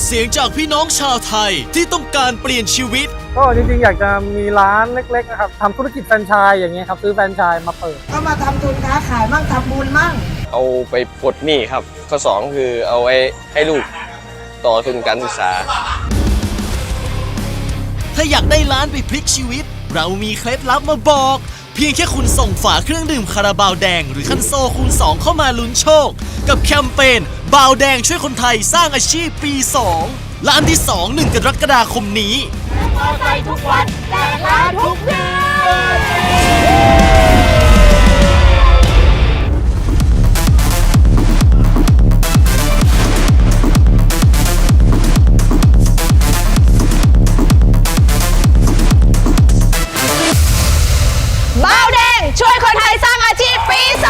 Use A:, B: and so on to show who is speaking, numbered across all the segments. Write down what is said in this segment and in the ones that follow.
A: เสียงจากพี่น้องชาวไทยที่ต้องการเปลี่ยนชีวิต
B: ก็จริงๆอยากจะมีร้านเล็กๆนะครับทำธุรกิจแฟรนไชส์อย่างเงี้ยครับซื้อแฟรนไชส์มาเปิด
C: ก็มาทำทุนค้าขายมั่งทำบุญมั่ง
D: เอาไปปลดหนี้ครับข้อ2คือเอาไว้ให้ลูกต่อทุนการศึกษา
A: ถ้าอยากได้ร้านไปพลิกชีวิตเรามีเคล็ดลับมาบอกเพียงแค่คุณส่งฝาเครื่องดื่มคาราบาวแดงหรือคันโซคูณ2เข้ามาลุ้นโชคกับแคมเปญบาวแดงช่วยคนไทยสร้างอาชีพปี2และอันที่2 1 กรกฎาคมนี้
E: มอไซค์ทุกวันแจกล้านทุกเดือนบาวแดงช่วยคนไทยสร้างอาชีพปี2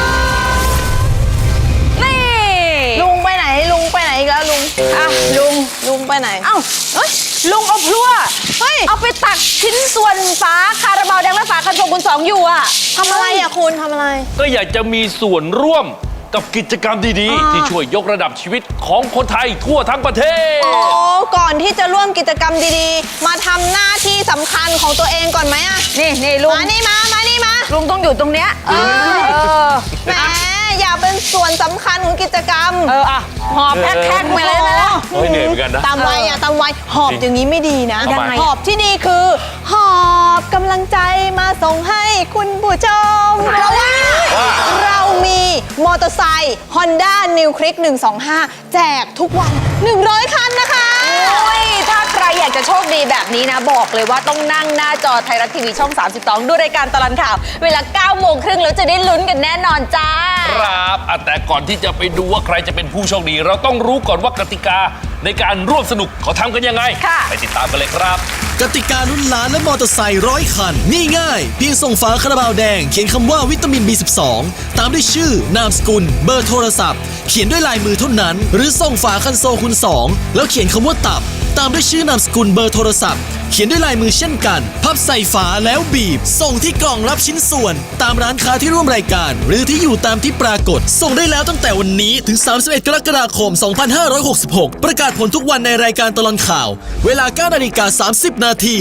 E: นี่ลุงไปไหนลุงไปไหนอีกแล้วลุงอ่ะลุงไปไหนเอ้าเฮ้ยลุงเอาพลั่วเฮ้ยเอาไปตักชิ้นส่วนฝาคาราบาวแดงและฝาคันโซคูณ2อยู่อะทำอะไรอะคุณทำอะไร
F: ก็อยากจะมีส่วนร่วมกับกิจกรรมดีๆที่ช่วยยกระดับชีวิตของคนไทยทั่วทั้งประเทศ
E: โอ้ก่อนที่จะร่วมกิจกรรมดีๆมาทำหน้าที่สำคัญของตัวเองก่อนไหมอะนี่ลุงมานี่มาลุงต้องอยู่ตรงเนี้ยแหมอยากเป็นส่วนสำคัญของกิจกรรมอะหอบแท็กมาเลยนะ
F: เฮ้ยเหนื่อยเหมือนกันนะ
E: ตามวัยหอบอย่างนี้ไม่ดีนะหอบที่นี่คือหอบกำลังใจมาส่งให้คุณผู้ชมเพราะว่าเรามีมอเตอร์ไซค์ Honda New Click 125 แจกทุกวัน100 คันนะคะโอ้ยถ้าใครอยากจะโชคดีแบบนี้นะบอกเลยว่าต้องนั่งหน้าจอไทยรัฐทีวีช่อง32ดูรายการตลอดข่าวเวลา 9 โมงครึ่งแล้วจะได้ลุ้นกันแน่นอนจ้า
F: ครับแต่ก่อนที่จะไปดูว่าใครจะเป็นผู้โชคดีเราต้องรู้ก่อนว่ากติกาในการร่วมสนุกเขาทำกันยังไงไปติดตามกันเลยครับ
A: กติกาลุ้นล้านและมอเตอร์ไซค์100 คันนี่ง่ายเพียงส่งฝาคาราบาวแดงเขียนคำว่าวิตามิน B12 ตามด้วยชื่อนามสกุลเบอร์โทรศัพท์เขียนด้วยลายมือเท่านั้นหรือส่งฝาคันโซคูณ2แล้วเขียนคำว่าตับตามด้วยชื่อนามสกุลเบอร์โทรศัพท์เขียนด้วยลายมือเช่นกันพับใส่ฝาแล้วบีบส่งที่กล่องรับชิ้นส่วนตามร้านค้าที่ร่วมรายการหรือที่อยู่ตามที่ปรากฏส่งได้แล้วตั้งแต่วันนี้ถึง31 กรกฎาคม 2566ประกาศผลทุกวันในรายการตลอดข่าวเวลา 9:30 นาที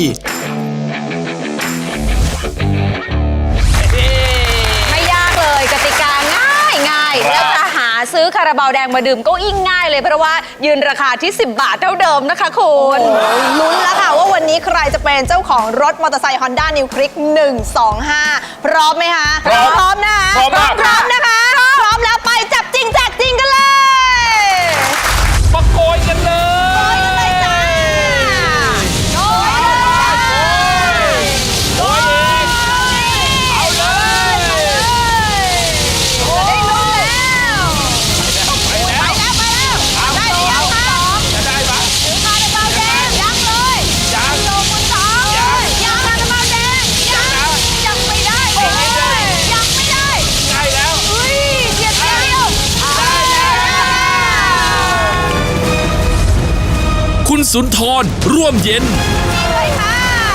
E: ไม่ยากเลยกติกาง่ายแล้วจะหาซื้อคาราบาวแดงมาดื่มก็ยิ่งง่ายเลยเพราะว่ายืนราคาที่10 บาทเท่าเดิมนะคะคุณลุ้นแล้วค่ะว่าวันนี้ใครจะเป็นเจ้าของรถมอเตอร์ไซค์ Honda New Click 125 พร้อมไหมคะพร้อมนะคะพร้อมนะคะพร้อมแล้วไปจับจริงแจกจริงกันเลย
F: มาโกยกันเลย
E: จ้าโอ้ย
F: เอาเลย
E: จะได้ลุ้นแล้วไปแล้วได้หรือยังคะ
F: จะได้ปะ
E: ถือคาราบาวแดงยังเลยยังโลคุณสองยังคาราบาวแดงยังไม่ได้ยังไม่ได้
F: ได้แล้ว
E: อุ้ยเดียวได้แล้ว
F: คุณสุนทรร่วมเย็น
E: เลยค่ะ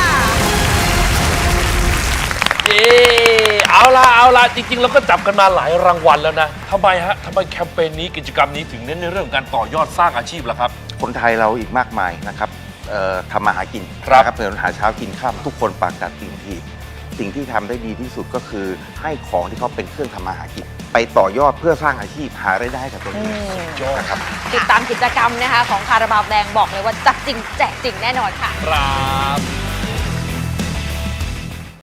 F: เอาล่ะจริงๆเราก็จับกันมาหลายรางวัลแล้วนะทำไมแคมเปญนี้กิจกรรมนี้ถึงเน้นในเรื่องการต่อยอดสร้างอาชีพล่ะครับ
G: คนไทยเราอีกมากมายนะครับทำมาหากินนะครับเดินหาเช้ากินข้ามทุกคนปากกัดสิ่งที่ทำได้ดีที่สุดก็คือให้ของที่เขาเป็นเครื่องทำมาหากินไปต่อยอดเพื่อสร้างอาชีพหารายได้กับตัวเองนะครับ
E: ติดตามกิจกรรมนะคะของคาราบาวแดงบอกเลยว่าจับจริงแจกจริงแน่นอนค่ะ
F: ครับ